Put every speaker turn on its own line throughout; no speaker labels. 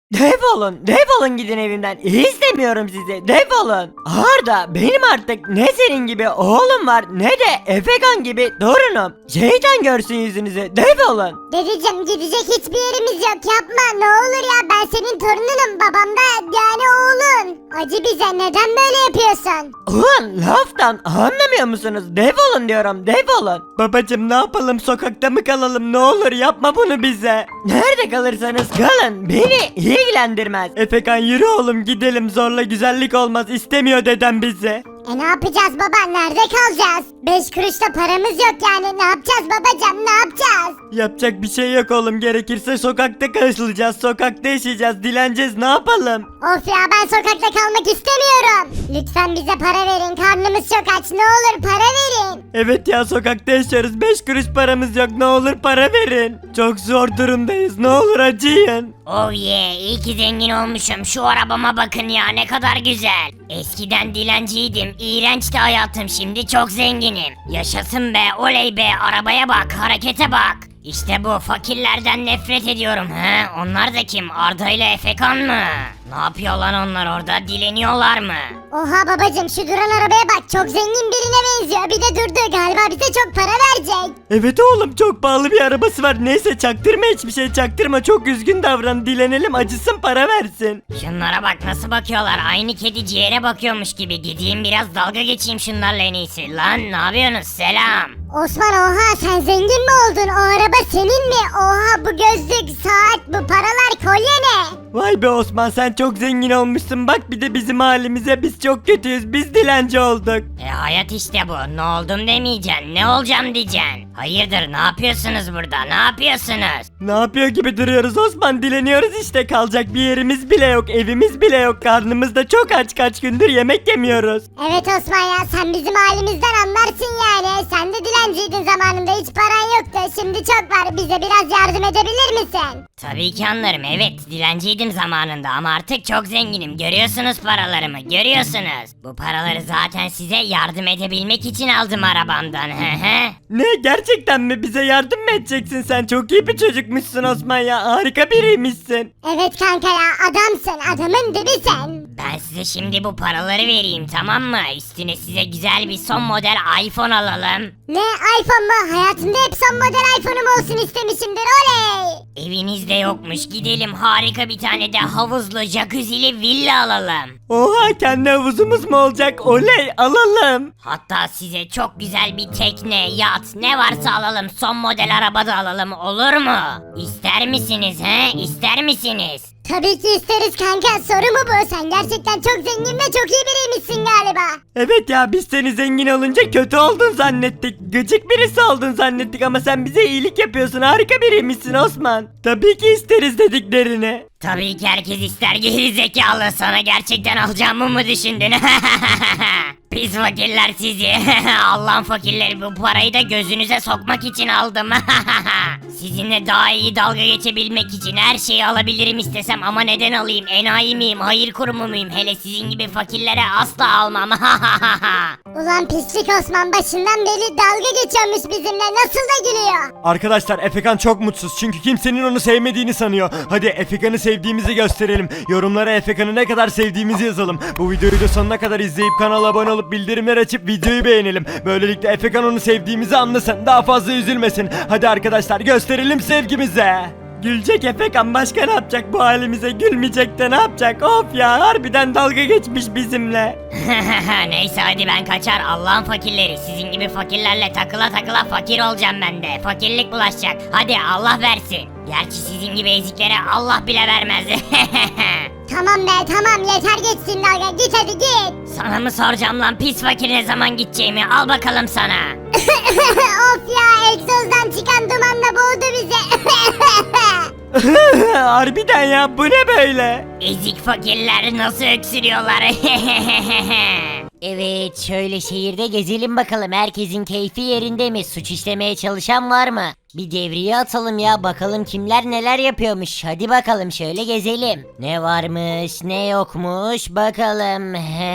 Defolun gidin evimden. İstemiyorum sizi. Defolun. Arda benim artık ne senin gibi oğlum var ne de Efekan gibi torunum. Şeytan görsün yüzünüzü. Defolun.
Dedeciğim gidecek hiçbir yerimiz yok, yapma ne olur ya, ben senin torununum, babam da yani oğlun. Acı bize, neden böyle yapıyorsun?
Ulan laftan anlamıyor musunuz? Defolun diyorum, defolun. Babacım ne yapalım, sokakta mı kalalım, ne olur yapma bunu bize. Nerede kalırsanız kalın, beni ilgilendirmez. Efekan yürü oğlum gidelim, zorla güzellik olmaz, istemiyor dedem bizi.
Ne yapacağız baba, nerede kalacağız? 5 kuruş da paramız yok yani, ne yapacağız babacığım, ne yapacağız?
Yapacak bir şey yok oğlum, gerekirse sokakta kalacağız, sokakta yaşayacağız, dileneceğiz, ne yapalım?
Of ya, ben sokakta kalmak istemiyorum. Lütfen bize para verin, karnımız çok aç, ne olur para verin.
Evet ya, sokakta yaşıyoruz, 5 kuruş paramız yok, ne olur para verin. Çok zor durumdayız, ne olur acıyın.
Oh yeah, iyi ki zengin olmuşum. Şu arabama bakın ya, ne kadar güzel. Eskiden dilenciydim, iğrençti hayatım, şimdi çok zenginim. Yaşasın be, oley be, arabaya bak, harekete bak. İşte bu, fakirlerden nefret ediyorum he. Onlar da kim, Arda ile Efekan mı? Ne yapıyor lan onlar orada, dileniyorlar mı?
Oha babacığım, şu duran arabaya bak, çok zengin birine benziyor, bir de durdu, galiba bize çok para verecek.
Evet oğlum, çok pahalı bir arabası var, neyse çaktırma, hiçbir şey çaktırma, çok üzgün davran, dilenelim, acısın, para versin.
Şunlara bak nasıl bakıyorlar, aynı kedi ciğere bakıyormuş gibi. Gideyim biraz dalga geçeyim şunlarla en iyisi. Lan ne yapıyorsunuz, selam.
Osman, oha sen zengin mi oldun, o araba senin mi? Oha, bu gözlük, saat, bu paralar, kolye ne?
Vay be Osman, sen çok zengin olmuşsun, bak bir de bizim halimize, biz çok kötüyüz, biz dilenci olduk.
Hayat işte bu, ne oldum demeyeceksin, ne olacağım diyeceksin. Hayırdır, ne yapıyorsunuz burada, ne yapıyorsunuz?
Ne yapıyor gibi duruyoruz Osman, dileniyoruz işte, kalacak bir yerimiz bile yok, evimiz bile yok, karnımız da çok aç, kaç gündür yemek yemiyoruz.
Evet Osman ya, sen bizim halimizden anlarsın yani. Sen de dilenciydin zamanında, hiç paran yoktu, şimdi çok var, bize biraz yardım edebilir misin?
Tabii ki anlarım, evet dilenciydim zamanında ama artık çok zenginim, görüyorsunuz paralarımı, görüyorsunuz. Bu paraları zaten size yardım edebilmek için aldım arabamdan he.
Ne, gerçekten mi, bize yardım mı edeceksin, sen çok iyi bir çocukmuşsun Osman ya, harika biriymişsin.
Evet kanka ya, adamsın, adamın dibi sen.
Ben size şimdi bu paraları vereyim, tamam mı? Üstüne size güzel bir son model iPhone alalım.
Ne, iPhone mu? Hayatımda hep son model iPhone'um olsun istemişimdir, oley.
Evinizde yokmuş, gidelim harika bir tane de havuzlu jacuzzi'li villa alalım.
Oha, kendi havuzumuz mu olacak, oley, alalım.
Hatta size çok güzel bir tekne, yat, ne varsa alalım, son model araba da alalım, olur mu? İster misiniz he, ister misiniz?
Tabii ki isteriz kanka, soru mu bu? Sen gerçekten çok zengin ve çok iyi biriymişsin galiba.
Evet ya, biz seni zengin olunca kötü oldun zannettik, gıcık birisi oldun zannettik ama sen bize iyilik yapıyorsun, harika biriymişsin Osman. Tabii ki isteriz dediklerini.
Tabii ki herkes ister, geri zekalı, sana gerçekten alacağımı mı düşündün? Pis fakirler sizi. Allah'ın fakirleri, bu parayı da gözünüze sokmak için aldım. Sizinle daha iyi dalga geçebilmek için her şeyi alabilirim istesem ama neden alayım? Enayi miyim? Hayır kurumu muyum? Hele sizin gibi fakirlere asla almam.
Ulan pislik Osman, başından beri dalga geçiyormuş bizimle, nasıl da gülüyor.
Arkadaşlar, Efekan çok mutsuz çünkü kimsenin onu sevmediğini sanıyor. Hadi Efekan'ı sevdiğimizi gösterelim. Yorumlara Efekan'ı ne kadar sevdiğimizi yazalım. Bu videoyu da sonuna kadar izleyip kanala abone olup bildirimler açıp videoyu beğenelim. Böylelikle Efekan onu sevdiğimizi anlasın, daha fazla üzülmesin. Hadi arkadaşlar, gösterelim sevgimizi. Gülecek Efekan, başka ne yapacak bu halimize, gülmeyecek de ne yapacak? Of ya, harbiden dalga geçmiş bizimle.
Neyse hadi ben kaçar, Allah'ın fakirleri. Sizin gibi fakirlerle takıla takıla fakir olacağım ben de. Fakirlik bulaşacak. Hadi Allah versin. Gerçi sizin gibi eziklere Allah bile vermez.
Tamam be tamam, yeter geçsin dalga, git hadi git.
Sana mı soracağım lan pis fakir, ne zaman gideceğimi, al bakalım sana.
Of ya, egzozdan çıkan dumanla boğdu bizi.
Harbiden ya, bu ne böyle?
Ezik fakirler nasıl öksürüyorlar.
Evet, şöyle şehirde gezelim bakalım, herkesin keyfi yerinde mi? Suç işlemeye çalışan var mı? Bir devriye atalım ya, bakalım kimler neler yapıyormuş. Hadi bakalım şöyle gezelim. Ne varmış ne yokmuş bakalım.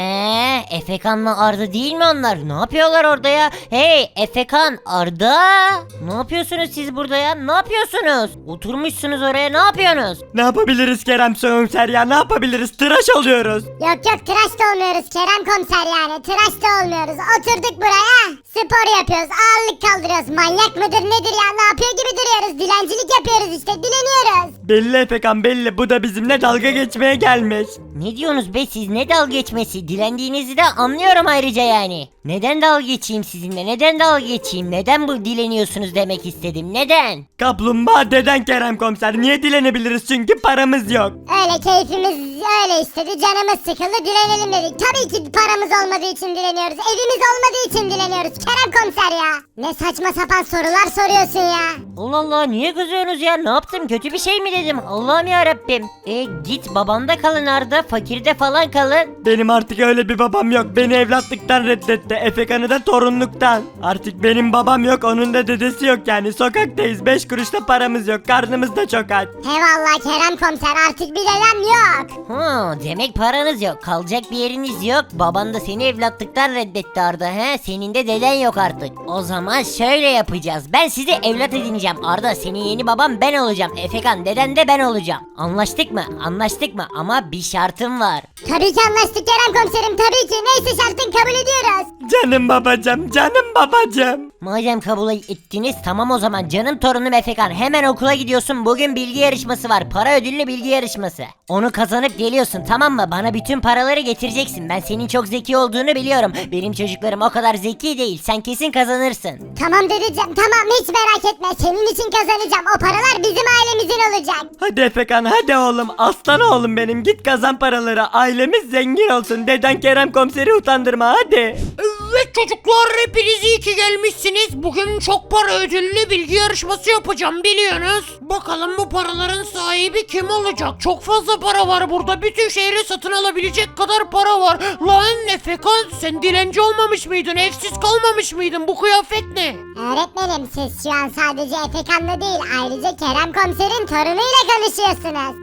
Efekan'la Arda değil mi onlar? Ne yapıyorlar orada ya? Hey Efekan, Arda. Ne yapıyorsunuz siz burada ya? Ne yapıyorsunuz? Oturmuşsunuz oraya, ne yapıyorsunuz?
Ne yapabiliriz Kerem komiser ya, ne yapabiliriz? Tıraş oluyoruz.
Yok yok, tıraş da olmuyoruz Kerem komiser yani. Tıraş da olmuyoruz. Oturduk buraya. Spor yapıyoruz. Ağırlık kaldırıyoruz. Manyak mıdır nedir ya? Ne yapıyor gibi duruyoruz. Dilencilik yapıyoruz işte. Dileniyoruz.
Belli Efekan belli, bu da bizimle dalga geçmeye gelmiş.
Ne diyorsunuz be siz, ne dalga geçmesi? Dilendiğinizi de anlıyorum ayrıca yani. Neden dalga geçeyim sizinle, neden dalga geçeyim, neden bu dileniyorsunuz demek istedim, neden?
Kaplumbağa deden Kerem komiser, niye dilenebiliriz? Çünkü paramız yok.
Öyle keyfimiz öyle istedi. Canımız sıkıldı. Dilenelim dedik. Tabii ki paramız olmadığı için dileniyoruz. Evimiz olmadığı için dileniyoruz. Kerem komiser ya. Ne saçma sapan sorular soruyorsun ya.
Allah Allah, niye kızıyorsunuz ya, ne yaptım, kötü bir şey mi dedim? Allah'ım ya Rabbim. Git babanda kalın Arda, fakirde falan kalın.
Benim artık öyle bir babam yok. Beni evlatlıktan reddetti. Efekan'ı da torunluktan. Artık benim babam yok, onun da dedesi yok yani. Sokaktayız. 5 kuruş da paramız yok. Karnımız da çok aç.
Eyvallah Kerem komiser, artık bir dedem yok.
Demek paranız yok, kalacak bir yeriniz yok. Baban da seni evlatlıktan reddetti Arda, senin de deden yok artık. O zaman şöyle yapacağız, ben sizi evlat edineceğim Arda, senin yeni baban ben olacağım. Efekan, deden de ben olacağım. Anlaştık mı? Anlaştık mı? Ama bir şartım var.
Tabii ki anlaştık Kerem komiserim, tabii ki. Neyse şartın, kabul ediyoruz.
Canım babacım, canım babacım.
Madem kabul ettiniz, tamam o zaman canım torunum Efekan, hemen okula gidiyorsun. Bugün bilgi yarışması var, para ödüllü bilgi yarışması. Onu kazanıp geliyorsun, tamam mı? Bana bütün paraları getireceksin. Ben senin çok zeki olduğunu biliyorum. Benim çocuklarım o kadar zeki değil, sen kesin kazanırsın.
Tamam dedeciğim, tamam, hiç merak etme. Senin için kazanacağım. O paralar bizim ailemizin olacak.
Hadi Efekan, hadi oğlum. Aslan oğlum benim. Git kazan paraları. Ailemiz zengin olsun. Deden Kerem komiseri utandırma hadi.
Evet çocuklar, hepiniz iyi ki gelmişsiniz. Bugün çok para ödüllü bilgi yarışması yapacağım, biliyorsunuz. Bakalım bu paraların sahibi kim olacak? Çok fazla para var burada. Bütün şehri satın alabilecek kadar para var. Lan Efekan, sen dilenci olmamış mıydın? Evsiz kalmamış mıydın? Bu kıyafet ne?
Öğretmenim, siz şu an sadece Efekan'la değil, ayrıca Kerem komiserin torunuyla konuşuyorsunuz.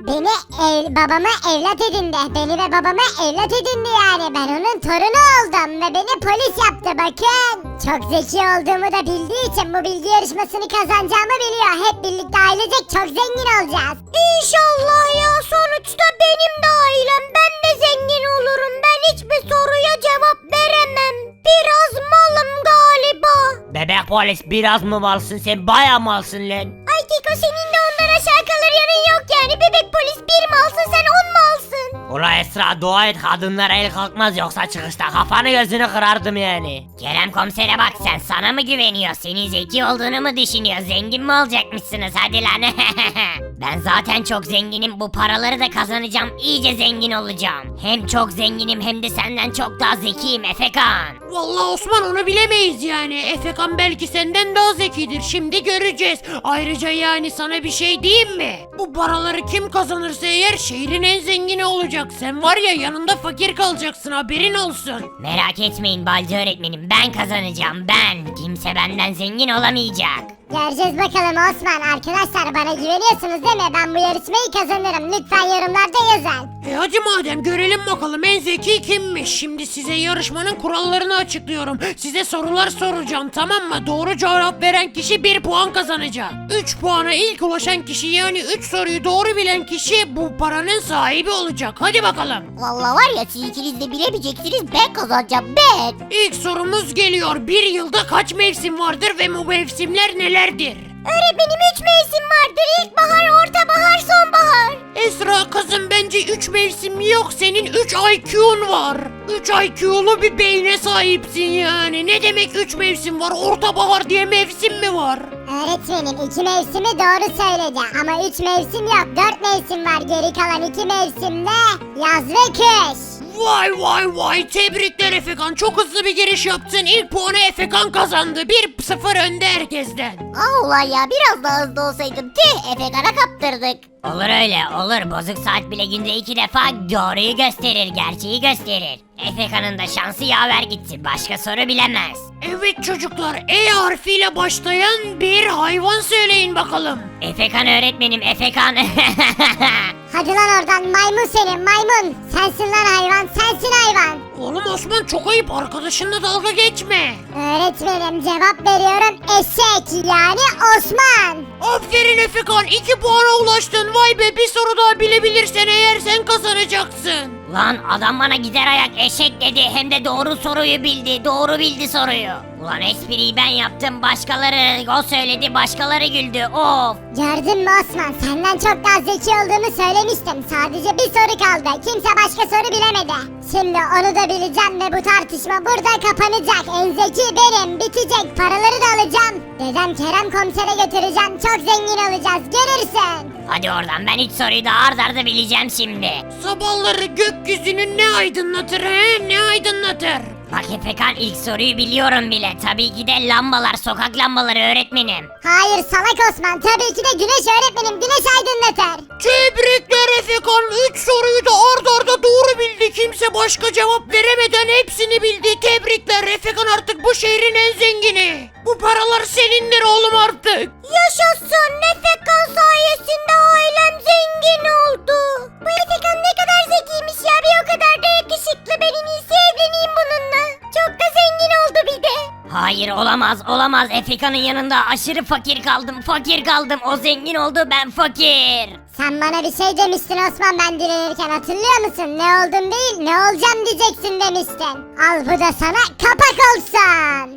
Babamı evlat edindi. Beni ve babamı evlat edindi yani. Ben onun torunu oldum ve beni polis yaptı, bakın. Çok zeki olduğumu da bildiği için bu bilgi yarışmasını kazanacağımı biliyor. Hep birlikte ailecek çok zengin olacağız. İnşallah ya, sonuçta benim de ailem. Ben de zengin olurum. Ben hiçbir soruya cevap veremem. Biraz malım galiba.
Bebek polis, biraz mı malsın sen, baya malsın lan.
Ay Keko, senin de ondan aşağı kalır yanın yok yani. Bebek polis bir malsın, sen 10 malsın.
Ula Esra, dua et kadınlara el kalkmaz, yoksa çıkışta kafanı gözünü kırardım yani.
Kerem komisere bak, sen sana mı güveniyor? Senin zeki olduğunu mu düşünüyor? Zengin mi olacakmışsınız hadi lan? Ben zaten çok zenginim, bu paraları da kazanacağım, iyice zengin olacağım. Hem çok zenginim hem de senden çok daha zekiyim Efekan.
Vallahi Osman, onu bilemeyiz yani. Efekan belki senden daha zekidir. Şimdi göreceğiz. Ayrıca yani sana bir şey diyeyim mi? Bu paraları kim kazanırsa eğer şehrin en zengini olacak. Sen var ya, yanında fakir kalacaksın, haberin olsun.
Merak etmeyin Balcı öğretmenim, ben kazanacağım ben. Kimse benden zengin olamayacak.
Göreceğiz bakalım Osman. Arkadaşlar, bana güveniyorsunuz değil mi? Ben bu yarışmayı kazanırım. Lütfen yorumlarda yazın.
Hadi madem, görelim bakalım en zeki kimmiş. Şimdi size yarışmanın kurallarını açıklıyorum. Size sorular soracağım, tamam mı? Doğru cevap veren kişi 1 puan kazanacak. 3 puana ilk ulaşan kişi, yani 3 soruyu doğru bilen kişi bu paranın sahibi olacak. Hadi bakalım.
Vallahi var ya, siz ikiniz de bilemeyeceksiniz. Ben kazanacağım, ben.
İlk sorumuz geliyor. Bir yılda kaç mevsim vardır ve bu mevsimler nelerdir?
Öğretmenim, 3 mevsim vardır. İlkbahar, ortabahar, sonbahar.
Esra kızım, bence 3 mevsim yok. Senin 3 IQ'un var. 3 IQ'lu bir beyne sahipsin yani. Ne demek 3 mevsim var? Ortabahar diye mevsim mi var?
Öğretmenim, 2 mevsimi doğru söyledi. Ama 3 mevsim yok. 4 mevsim var. Geri kalan 2 mevsimde yaz ve kış.
Vay vay vay, tebrikler Efekan, çok hızlı bir giriş yaptın. İlk puanı Efekan kazandı. 1-0 önde herkesten.
Allah ya, biraz daha hızlı olsaydım. Efekan'a kaptırdık.
Olur öyle olur. Bozuk saat bile günde 2 defa doğruyu gösterir, gerçeği gösterir. Efekan'ın da şansı yaver gitti. Başka soru bilemez.
Evet çocuklar, E harfiyle başlayan bir hayvan söyleyin bakalım.
Efekan öğretmenim, Efekan.
Hadi lan oradan maymun senin maymun. Sensin lan hayvan, sensin hayvan.
Oğlum Osman, çok ayıp, arkadaşınla dalga geçme.
Öğretmenim cevap veriyorum eşek yani Osman.
Aferin Efekan, 2 puana ulaştın. Vay be, bir soru daha bilebilirsen eğer sen kazanacaksın.
Lan adam bana gider ayak eşek dedi. Hem de doğru soruyu bildi. Doğru bildi soruyu. Ulan espriyi ben yaptım. Başkaları o söyledi. Başkaları güldü. Of.
Gördün mü Osman, senden çok daha zeki olduğumu söylemiştim. Sadece bir soru kaldı. Kimse başka soru bilemedi. Şimdi onu da bileceğim ve bu tartışma burada kapanacak. En zeki benim. Bitecek. Paraları da alacağım. Dedem Kerem komisere götüreceğim. Çok zengin olacağız. Görürsün.
Hadi oradan, ben 3 soruyu da ard arda bileceğim şimdi.
Sabahları gökyüzünü ne aydınlatır he? Ne aydınlatır?
Bak Efekan, ilk soruyu biliyorum bile. Tabii ki de lambalar, sokak lambaları öğretmenim.
Hayır salak Osman. Tabii ki de güneş öğretmenim. Güneş aydınlatır.
Tebrikler Efekan, 3 soruyu da ard arda doğru bildi. Kimse başka cevap veremeden hepsini bildi. Tebrikler Efekan, artık bu şehrin en zengini. Bu paralar senindir oğlum artık.
Yaşasın. Efekan sayesinde ailem zengin oldu. Bu Efekan ne kadar zekiymiş ya. Bir o kadar da yakışıklı. Ben en iyisi evleneyim bununla. Çok da zengin oldu bir de.
Hayır, olamaz olamaz. Efekan'ın yanında aşırı fakir kaldım. O zengin oldu, ben fakir.
Sen bana bir şey demiştin Osman ben dilenirken, hatırlıyor musun? Ne oldum değil ne olacağım diyeceksin demiştin. Al bu da sana kapak olsun.